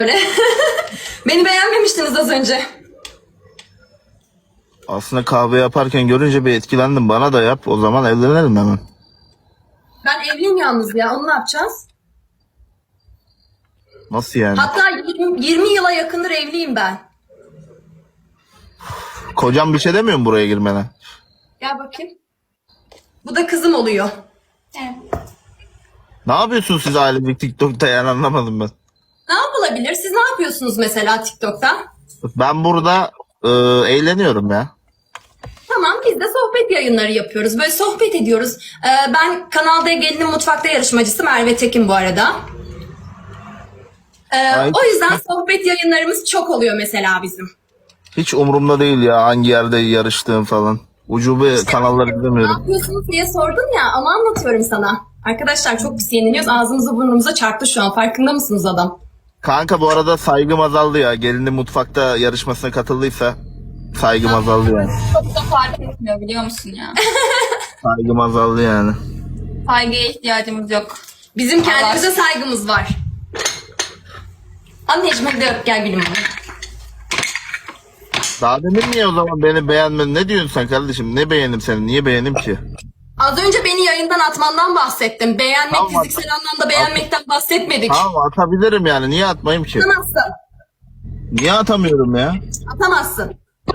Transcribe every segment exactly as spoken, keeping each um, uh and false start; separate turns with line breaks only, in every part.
Öyle. Beni beğenmemiştiniz az önce.
Aslında kahve yaparken görünce bir etkilendim. Bana da yap. O zaman evlenelim hemen.
Ben evliyim yalnız ya. Onu ne yapacağız?
Nasıl yani?
Hatta yirmi, yirmi yıla yakındır evliyim ben.
Kocam bir şey demiyor mu buraya girmene?
Gel bakayım. Bu da kızım oluyor.
Ne yapıyorsunuz siz ailecek TikTok'ta, yani anlamadım ben.
Ne yapılabilir? Siz ne yapıyorsunuz mesela TikTok'ta?
Ben burada e, eğleniyorum ya.
Tamam, biz de sohbet yayınları yapıyoruz. Böyle sohbet ediyoruz. Ee, ben kanalda Gelinin Mutfakta yarışmacısı Merve Tekin bu arada. Ee,
Ay.
o yüzden sohbet yayınlarımız çok oluyor mesela bizim.
Hiç umurumda değil ya hangi yerde yarıştığım falan. Ucube kanalları
Ne
izlemiyorum.
yapıyorsunuz diye sordun ya, ama anlatıyorum sana. Arkadaşlar çok pis yeniliyoruz. Ağzımızı burnumuza çarptı şu an. Farkında mısınız adam?
Kanka bu arada saygım azaldı ya. Gelinin mutfakta yarışmasına katıldıysa saygım azaldı yani.
Çok da fark etmiyor biliyor musun ya?
Saygım azaldı yani.
Saygıya ihtiyacımız yok.
Bizim kendimize saygımız var. Anneciğim hadi öp gel gülüm.
Daha demin niye o zaman beni beğenmedin? Ne diyorsun sen kardeşim? Ne beğendim seni? Niye beğendim ki?
Az önce beni yayından atmandan bahsettim. Beğenmek
Tamam.
fiziksel anlamda beğenmekten bahsetmedik.
Tamam, atabilirim yani. Niye atmayayım ki?
Atamazsın.
Niye atamıyorum ya?
Atamazsın.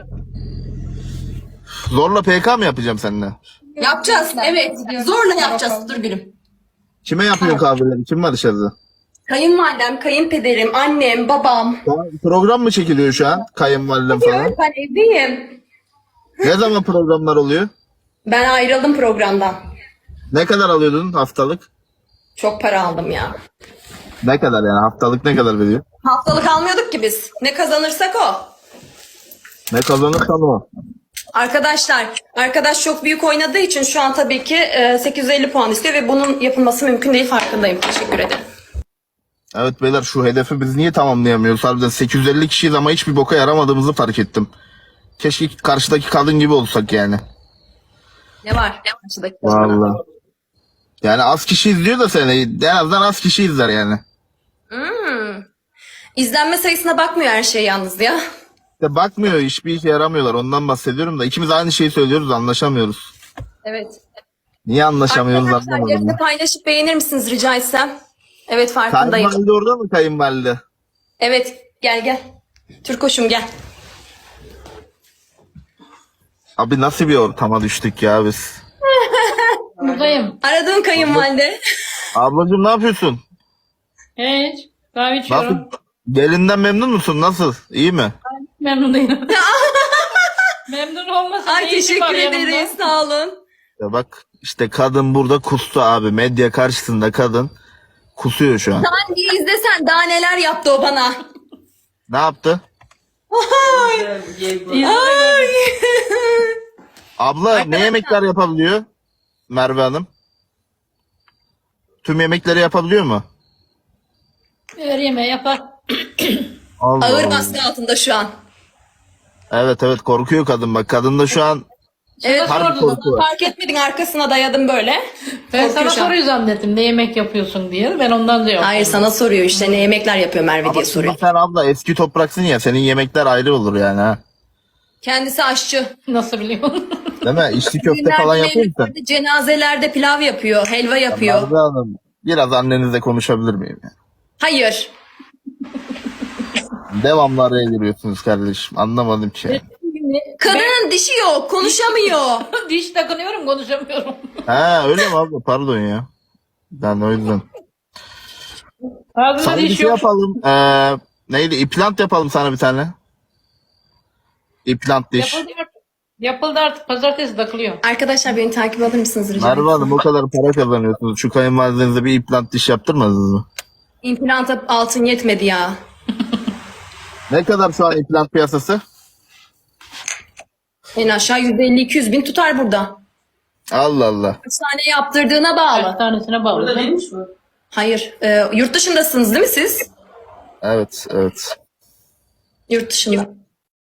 Zorla P K mı yapacağım seninle?
Yapacağız evet. Zorla yapacağız. Dur gülüm.
Kime yapıyorsun kahveleri? Kim var dışarıda?
Kayınvalidem, kayınpederim, annem, babam.
Ya, program mı çekiliyor şu an? Kayınvalidem falan.
Ben evdeyim.
Ne zaman programlar oluyor?
Ben ayrıldım programdan.
Ne kadar alıyordun haftalık?
Çok para aldım ya.
Ne kadar yani? Haftalık ne kadar veriyor?
Haftalık almıyorduk ki biz. Ne kazanırsak o.
Ne kazanırsan o.
Arkadaşlar, arkadaş çok büyük oynadığı için şu an tabii ki e, sekiz yüz elli puan istiyor ve bunun yapılması mümkün değil, farkındayım. Teşekkür ederim.
Evet beyler, şu hedefi biz niye tamamlayamıyoruz? Harbiden sekiz yüz elli kişiyiz ama hiçbir boka yaramadığımızı fark ettim. Keşke karşıdaki kadın gibi olsak yani.
Ne var? Karşıdaki
Vallahi. Yani az kişi izliyor da seni. En azından az kişi izler yani.
Hmm. İzlenme sayısına bakmıyor her şey yalnız ya.
İşte bakmıyor, hiçbir işe yaramıyorlar. Ondan bahsediyorum da ikimiz aynı şeyi söylüyoruz, anlaşamıyoruz.
Evet.
Niye anlaşamıyoruz
Arkadaşlar
anlamadım.
yayını
ya.
paylaşıp beğenir misiniz rica etsem? Evet farkındayım.
Kayınvalide orada mı, kayınvalide?
Evet gel gel. Türkoş'um gel.
Abi nasıl bir ortama düştük ya biz?
Buradayım.
Aradığım kayınvalide.
Ablacığım ne yapıyorsun?
Hiç. Kahve
Nasıl?
içiyorum.
Gelinden memnun musun? Nasıl? İyi mi?
Memnun değilim. Memnun olmasın.
Ay teşekkür ederiz sağ olun.
Ya bak işte kadın burada kustu abi. Medya karşısında kadın kusuyor şu an.
Sen bir izlesen daha neler yaptı o bana.
Ne yaptı?
Ay.
Abla ne yemekler yapabiliyor Merve Hanım? Tüm yemekleri yapabiliyor mu?
Ver yemeği yapar.
Allah
Ağır
Allah.
baskı altında şu an.
Evet evet, korkuyor kadın bak. Kadın da şu an
Evet
harbi korku var.
fark etmedin, arkasına dayadım böyle.
Ben
Korkuyor
sana
şu an.
soruyu zannettim. Ne yemek yapıyorsun diye. Ben ondan da yok.
Hayır sana soruyor işte ne yemekler yapıyor Merve diye soruyor.
Ama sen abla eski topraksın ya, senin yemekler ayrı olur yani ha.
Kendisi aşçı.
Nasıl biliyorsun?
Değil mi? İçli köfte
Düğünlerde,
falan yapıyor musun?
mevlütlerde, cenazelerde pilav yapıyor, helva yapıyor.
Merve Hanım, biraz annenizle konuşabilir miyim? ya?
Hayır.
Devamlı araya giriyorsunuz kardeşim. Anlamadım ki.
Kadının dişi yok, konuşamıyor.
Diş takınıyorum konuşamıyorum.
Ha öyle mi abla? Pardon ya. Ben o yüzden.
Ağzında
Sana bir
diş
şey
yok.
yapalım. Ee, neydi? İplant yapalım sana bir tane. İplant diş.
Yapıldı artık. Yapıldı artık. Pazartesi takılıyor.
Arkadaşlar beni takip alır mısınız rica
Merve
etsem?
Hanım, o kadar para kazanıyorsunuz. Şu kayınvalidenize bir implant diş yaptırmadınız mı?
İmplanta altın yetmedi ya.
Ne kadar şu an implant piyasası?
En aşağı yüz elli iki yüz bin tutar burada.
Allah Allah.
Kaç tane yaptırdığına
Kaç
bağlı.
tanesine bağlı.
Hayır. E, yurt dışındasınız değil mi siz?
Evet evet.
Yurt dışındayım.